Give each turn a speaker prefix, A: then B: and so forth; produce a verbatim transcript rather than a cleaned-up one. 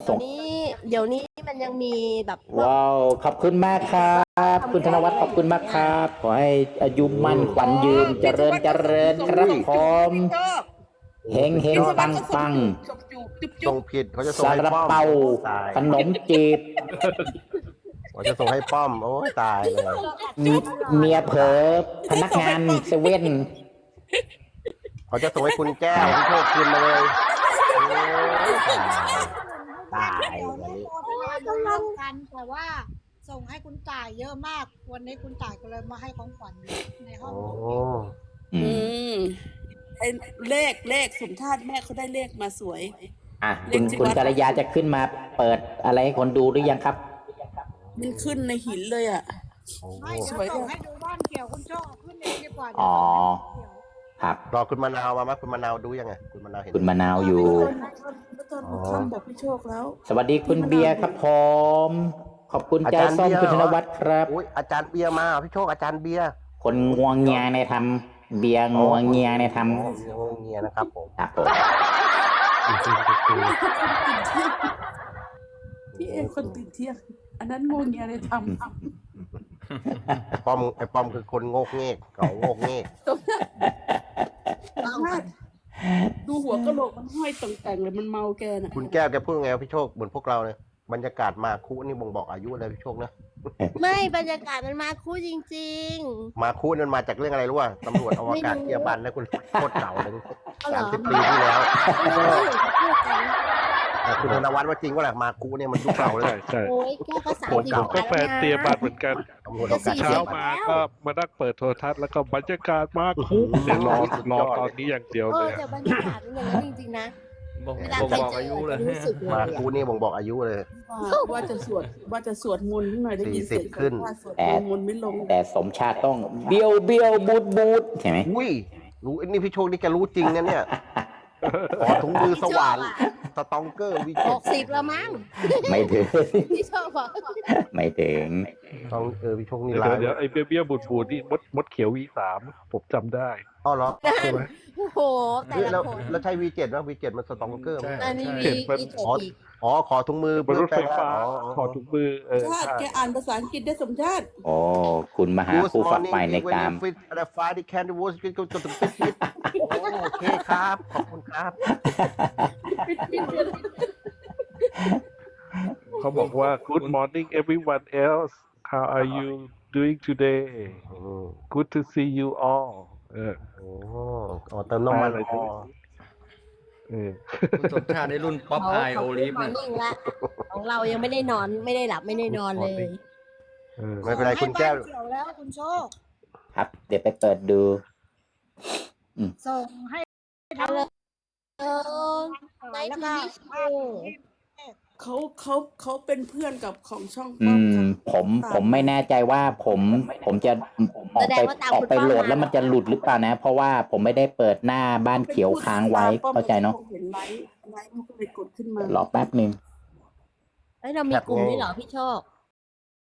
A: ส่ง
B: นี้เดี๋ยวนี้มันยังมีแบบพวก
A: ว้าวขอบคุณมากครับคุณธนวัฒน์ขอบคุณมากครับขอให้อายุมั่นขวัญยืนเจริญเจริญครับผมเฮงเฮงปังปัง
C: ส่งผิดเขาจะส่ง
A: ซา
C: ให้
A: ลา
C: ป้อม
A: เปา
C: ตาย
A: ขนมจีบ
C: เขาจะส่งให้ป้อมโอ้ยตายเลย
A: เมียเผลอพนักงานเซเว่น
C: เขาจะส่งให้คุณแก้วพี่โชคคืนมาเลยโอ้ยตายตายวันนี้
D: กำลังกันแต่ว่าส่งให้คุณจ่ายเยอะมาก วันนี้คุณจ่ายก็เลยมาให้ของขวัญในห้อง
C: โอ้
A: อื
E: อื
A: ม
E: มไอ้เลขเลขสมธาตุแม่เขาได้เลขมาสวย
A: อ่ะคุณคุณกัลยาจะขึ้นมาเปิดอะไรให้คนดูหรือยังครับ
E: มันขึ้นในหินเลยอ่ะ
C: โอ้
D: ไม่เดี๋ยวส่งให้ดูบ้านเกี่ยวคุณโชคเอาขึ้นเองดีกว่า
A: อ๋อ
D: เดี๋ยว
A: ครับ
C: รอคุณมะนาวมาไหมคุณมะนาวดูยังไงคุณมะนาวเห็น
A: คุณมะนาวอยู่
E: เมื่อตอนหัวค่ำบอกพี่โชคแล้ว
A: สวัสดีคุณเบียร์ครับผมขอบคุณใจส้มคุณธนวัฒน์ครับ
C: อุ้ยอาจารย์เบียร์มาพี่โชคอาจารย์เบียร์
A: คนงวงเงียในทำเบียร์งวงเงียในท
C: อ๋องงเงียนะครับผม
A: ำครับผม
E: พี่เองคนตื่นเที่ยง อันนั้นโงงเงียเลยท
C: ไอ้ป้อมไอ้ป้อมคือคนโงกเงกเขาโงกเงก
E: ำดูหัวกะโหลกมันห้อยต่งแต่งเลยมันเมาแกน่ะ
C: คุณแก้วแกพูดไงวะพี่โชคเหมือนพวกเราเนี่ยบรรยากาศมาคุนี่บ่งบอกอายุเลยพี่โชคนะ
B: ไม่บรรยากาศมันมาคู่จริง
C: มาคุนั่นมาจากเรื่องอะไรรู้ป่ะตำรวจอวกาศ
B: ไม่รู้
C: เกียร์บันนะคุณโคตรเก่าเลย
B: ๆเอาเหร
C: สาม
B: อ
C: สิบปีที่แล้ว
B: ไม่รู้เขาพูดกัน
C: แต่คุณธนวัฒน์ว่าจริงว่าแหละมาคุเนี่ยมันยุค
F: ใช่
C: เก่าเลย
F: ใช่ใช่
B: โอ้ยแก้วก็สาม
F: ผม
B: สิบ
F: ผมก็แฟนเตรียมบัตรเหมือนกัน
C: ตำรวจอวกาศ
F: เช้ามาก็มานั่งเปิดโทรทัศน์แล้วก็บรรยากาศมากคุกเนี่ยรอรอตอนนี้อย่างเดียว
B: เอ
F: เล
B: อย แต่บรรยากาศมันอย่างนั้นจริงๆนะ
G: บอก
B: เวลา
G: บอก
B: ใคร
G: บอก
B: เจ
G: อายุ
B: อ
G: เลย
B: จะรู้สึกเลย
C: มา
B: อะ
C: คุนี่บ่งบอกอายุเลย
E: ว่าว่าจะสวดว่าจะสวดมนต์ขึ้นหน่อยได้ยินเสียง
C: สี่สิบขึ้น
E: ว่าสวด
A: แต่
E: มนต์ไม่ลง
A: แต่สมชาติต้องเบี้ยวเบี้ยวบูดบูดใช่ไหม
C: อุ้ยรู้ไอ้นี่พี่โชคนี่แกรู้จริงนะเนี่ยขอถุงมือสว่านสตองเกอร์วี
B: ห
C: เจ็ด
B: กสิบแล้วมั้ง
A: ไม่ถึง
B: พี่ชอบบอก
A: ไม่ถึง
C: ต้องเออพี่โชคนี่
F: เดี๋ยว
C: ร้าย
F: เดี๋ยวไอ้เบี้ยเบี้ยบูดบูดนี่มดมดเขียววีสามผมจำได้
C: อ๋อเหรอ
F: ใช่ไหม
B: โอ้โหแต่
C: เฮ้ย
B: ละ
C: แล้ว
B: คน
C: แล้วใช้ วี เจ็ด นะ วี เจ็ด มันสตองเกอร์ไหม
B: อันนี้
F: เจ็
B: มี
F: ดมัน
B: อีก
C: อ๋อ
B: อีก
C: อ๋อขอถุงมือบ
F: นรถไฟฟ้า
C: อ๋อ
F: ถอดถุงมือเออ
E: ชาติ
F: ใช่
E: แกอ่านภาษาอังกฤษได้สมชาติ
A: โอ้คุณมหาผู้ฝักใฝ่ในกาม
C: ฟิตอะไรฟ้าที่แคนดิวสกินก็จะปิดปิดโอเคครับ ขอบคุณครับ
F: เขาบอกว่า Good morning everyone else how are you doing today
C: อืม
F: Good to see you all เออ
C: โอ้อ๋อเติมน้ำมัน
F: อะไร
C: อ๋อ
F: เออ
G: คุณสมชาติในรุ่นป๊อป
B: เขา
G: ไอ
B: เขา
G: โอ
B: พู
G: ลิ
B: ด
G: ฟ
B: มอ
G: เนี่
B: ร์
G: ย
B: นิ่งละของเรายังไม่ได้นอนไม่ได้หลับไม่ได้นอนเลย
F: เออ
C: ไม่เป็นไรคุณแก้ว
D: ส่งให้บ้านเกี่ยวแล้วคุณโชค
A: ครับ เดี๋ยวไปเปิดดู
D: ส่งให้ทั้ง
B: เออ
D: หลายแล้วก็
B: โอ้
E: เขาเขาเขาเป็นเพื่อนกับของช่อง
A: อื
E: ป้อม
A: ม
E: ค่ะ
A: ผมผมไม่แน่ใจว่าผมผมจะออกไปออกไปโหลดแล้วมันจะหลุดหรือเปล่านะ เพราะว่าผมไม่ได้เปิดหน้าบ้านเขียวค้างไว้เข้าใจเนาะ
E: เห็นไลฟ์ไลฟ์มันก็เลยกดขึ้นมา
A: รอแป๊บหนึ่ง
B: เอ้ยเรามีกลุ่มด้วยเหรอพี่โชค